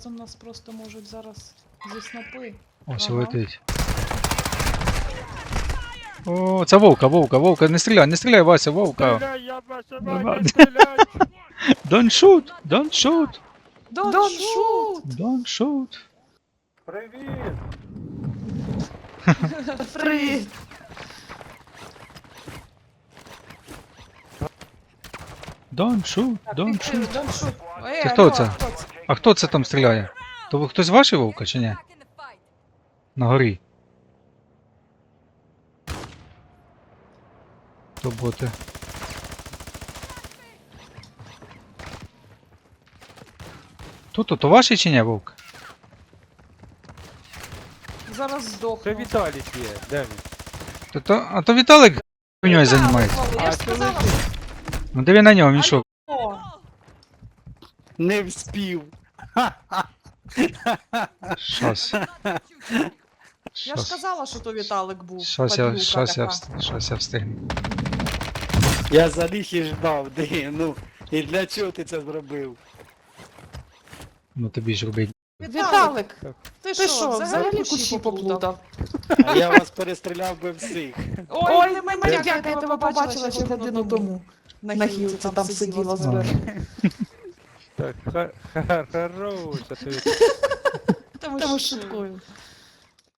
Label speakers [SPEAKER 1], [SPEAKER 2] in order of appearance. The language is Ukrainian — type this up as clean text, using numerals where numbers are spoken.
[SPEAKER 1] там нас просто можуть зараз зі снопи.
[SPEAKER 2] Ось
[SPEAKER 1] Ага.
[SPEAKER 2] летить. О, це вовка, вовка, не стріляй, Вася, вовка.
[SPEAKER 3] Стріляй, я ваша
[SPEAKER 2] Нормально.
[SPEAKER 3] мать, не стріляй!
[SPEAKER 2] Don't shoot, don't shoot,
[SPEAKER 1] Don't shoot!
[SPEAKER 2] don't shoot.
[SPEAKER 3] Привіт!
[SPEAKER 1] Привіт!
[SPEAKER 2] Don't shoot, don't shoot.
[SPEAKER 1] Don't shoot!
[SPEAKER 2] Це хто це? А хто це там стріляє? То ви хтось ваший вовка чи ні? На горі. То боти. То ваший чи ні, вовк?
[SPEAKER 1] Зараз
[SPEAKER 3] Це
[SPEAKER 1] здохну.
[SPEAKER 3] Віталік є, де він?
[SPEAKER 2] А то Віталик хуйньою займається.
[SPEAKER 1] Я ж сказала,
[SPEAKER 2] Ну диви на нього, він що?
[SPEAKER 1] що...
[SPEAKER 4] Не вспів.
[SPEAKER 2] Щас.
[SPEAKER 1] Я ж казала, що то Віталик був.
[SPEAKER 2] Щас я встигну.
[SPEAKER 4] Я заліг і ждав, ну. І для чого ти це зробив?
[SPEAKER 2] Ну тобі ж робить.
[SPEAKER 1] Віталик! Ти
[SPEAKER 5] Ти
[SPEAKER 1] що, взагалі кущі поплутав?
[SPEAKER 4] А я вас перестріляв би всіх.
[SPEAKER 1] Ой, не мене,
[SPEAKER 5] Я тебе побачила ще годину тому. На хілці там сиділа зверху.
[SPEAKER 3] Так, хороша ти.
[SPEAKER 1] Та
[SPEAKER 5] Та ви шуткую.